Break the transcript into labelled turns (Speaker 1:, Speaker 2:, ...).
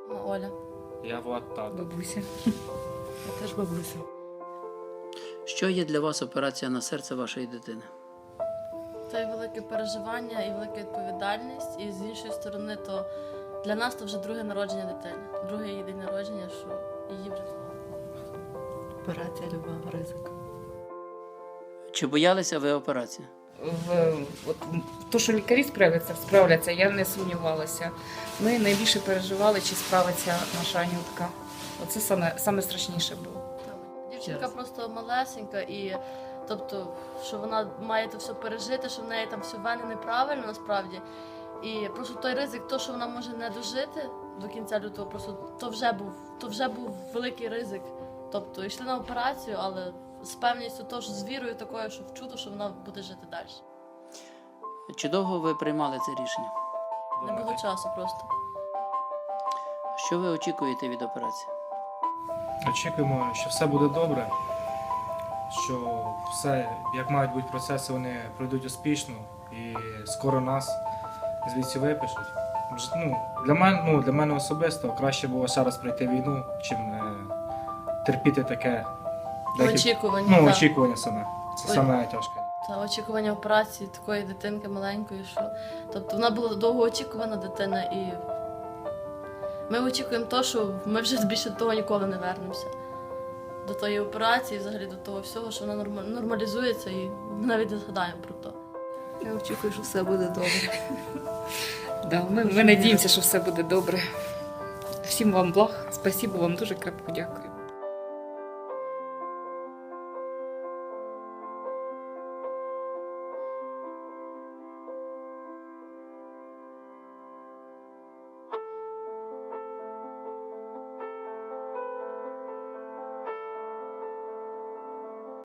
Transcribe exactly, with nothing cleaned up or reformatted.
Speaker 1: Оля.
Speaker 2: Я Влад тато.
Speaker 3: Бабуся.
Speaker 1: Я теж бабуся.
Speaker 4: Що є для вас операція на серце вашої дитини?
Speaker 1: Це і велике переживання, і велика відповідальність. І з іншої сторони, то для нас це вже друге народження дитини. Друге її день народження, що її вже
Speaker 3: Операція любого ризику.
Speaker 4: Чи боялися ви операції?
Speaker 3: В, от, то, що лікарі справляться, справляться, я не сумнівалася. Ми найбільше переживали, чи справиться наша Анютка. Оце саме, саме страшніше було.
Speaker 1: дівчинка
Speaker 4: Ясно.
Speaker 1: просто малесенька, і тобто, що вона має це все пережити, що в неї там все вени неправильно насправді. І просто той ризик, то, що вона може не дожити до кінця лютого, просто то вже був, то вже був великий ризик. Тобто йшли на операцію, але з певністю того, що з вірою такою, що в чудо, що вона буде жити далі.
Speaker 4: Чи довго ви приймали це рішення?
Speaker 1: Не було часу просто.
Speaker 4: Що ви очікуєте від операції?
Speaker 2: Очікуємо, що все буде добре, що все, як мають бути процеси, вони пройдуть успішно і скоро нас звідси випишуть. Ж- Ну, для мене, ну, для мене особисто краще було ще раз пройти війну, чим е, терпіти таке. деякі-
Speaker 1: Очікування.
Speaker 2: Ну,
Speaker 1: так.
Speaker 2: очікування саме. Це
Speaker 1: Ой.
Speaker 2: саме тяжке.
Speaker 1: Та очікування операції такої дитинки маленької, що тобто вона була довгоочікувана дитина, і ми очікуємо того, що ми вже більше до того ніколи не вернемося. До тої операції, взагалі до того всього, що вона норма- нормалізується, і ми навіть не згадаємо про то.
Speaker 5: Я очікую, що все буде добре.
Speaker 3: Да, ми, ми надіємося, що все буде добре. Всім вам благ. Спасибо вам дуже крепко дякую.